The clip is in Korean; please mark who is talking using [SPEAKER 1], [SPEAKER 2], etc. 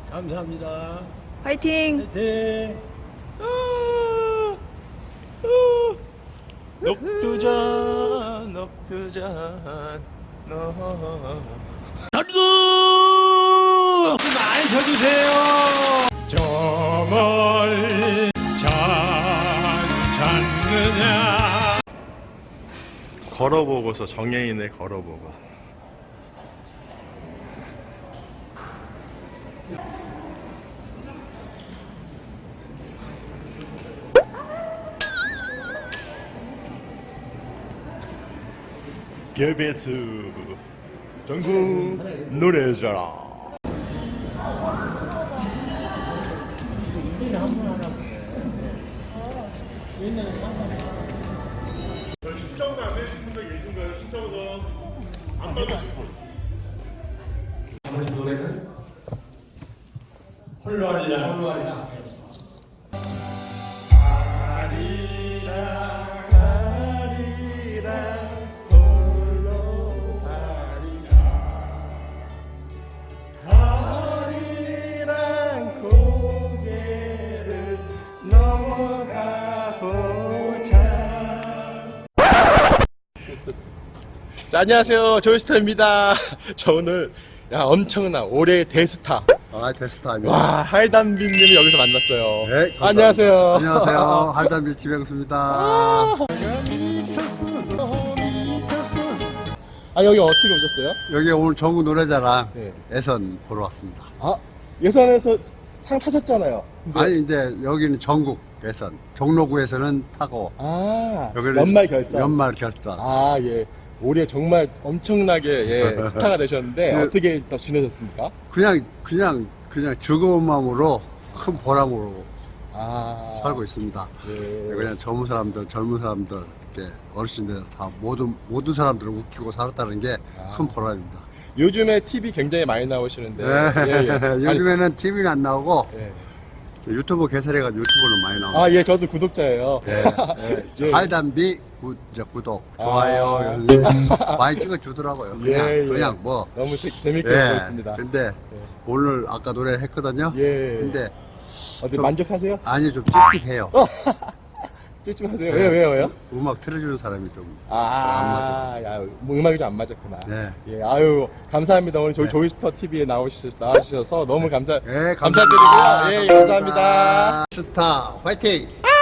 [SPEAKER 1] 감사합니다.
[SPEAKER 2] 화이팅!
[SPEAKER 1] 화이팅!
[SPEAKER 3] 녹두전 녹두전
[SPEAKER 1] 전국 많이 쳐주세요. 저 멀리 잘 찾느냐.
[SPEAKER 3] 걸어보고서 정예인의 걸어보고서 개베스 전국 노래자랑 신청도 안 내신 분들 계신가요? 신청서 안 받으신 분?
[SPEAKER 1] 우리 노래는 홀로아리랑
[SPEAKER 3] 아리랑 아리랑 홀로 아리랑 고개를 넘어가 보자. 자, 안녕하세요, 조이스타입니다. 저 오늘 엄청난 올해의 대스타
[SPEAKER 4] 데스타 아니에요?
[SPEAKER 3] 와 할담비님을 여기서 만났어요.
[SPEAKER 4] 네, 감사합니다.
[SPEAKER 3] 안녕하세요.
[SPEAKER 4] 안녕하세요. 할담비 지명수입니다.
[SPEAKER 3] 아 여기 어떻게 오셨어요?
[SPEAKER 4] 여기 오늘 전국 노래자랑
[SPEAKER 3] 네.
[SPEAKER 4] 예선 보러 왔습니다.
[SPEAKER 3] 아 예선에서 상 타셨잖아요. 근데-
[SPEAKER 4] 아니 이제 여기는 전국 예선, 종로구에서는 타고
[SPEAKER 3] 아
[SPEAKER 4] 여기는
[SPEAKER 3] 연말 결산.
[SPEAKER 4] 연말 결산.
[SPEAKER 3] 아 예. 올해 정말 엄청나게 예, 스타가 되셨는데
[SPEAKER 4] 네.
[SPEAKER 3] 어떻게 더 지내셨습니까?
[SPEAKER 4] 그냥 즐거운 마음으로 큰 보람으로
[SPEAKER 3] 아
[SPEAKER 4] 살고 있습니다.
[SPEAKER 3] 예.
[SPEAKER 4] 그냥 젊은 사람들, 이렇게 어르신들 다 모든 사람들을 웃기고 살았다는 게 큰 보람입니다.
[SPEAKER 3] 요즘에 TV 굉장히 많이 나오시는데
[SPEAKER 4] 네.
[SPEAKER 3] 예, 예.
[SPEAKER 4] 요즘에는 TV는 안 나오고
[SPEAKER 3] 아니, 예.
[SPEAKER 4] 유튜브 개설해가지고 유튜브는 많이 나옵니다.
[SPEAKER 3] 아 예 저도 구독자예요. 예.
[SPEAKER 4] 할담비 구독, 좋아요 많이 찍어주더라고요. 그냥,
[SPEAKER 3] 예, 예.
[SPEAKER 4] 그냥 뭐.
[SPEAKER 3] 너무 재밌게
[SPEAKER 4] 예.
[SPEAKER 3] 보고 있습니다.
[SPEAKER 4] 근데 오늘 아까 노래를 했거든요.
[SPEAKER 3] 예.
[SPEAKER 4] 근데
[SPEAKER 3] 어때
[SPEAKER 4] 좀-
[SPEAKER 3] 만족하세요?
[SPEAKER 4] 아니 좀 찝찝해요.
[SPEAKER 3] 찝찝하세요?
[SPEAKER 4] 네.
[SPEAKER 3] 왜요?
[SPEAKER 4] 음악 틀어주는 사람이 좀.
[SPEAKER 3] 야, 뭐 음악이 좀 안 맞았구나.
[SPEAKER 4] 네.
[SPEAKER 3] 예, 아유, 감사합니다. 오늘 저희 조이스터 TV에 나와주셔서 너무
[SPEAKER 4] 네,
[SPEAKER 3] 감사드리고요.
[SPEAKER 4] 감사합니다.
[SPEAKER 3] 예, 감사합니다.
[SPEAKER 4] 스타 화이팅!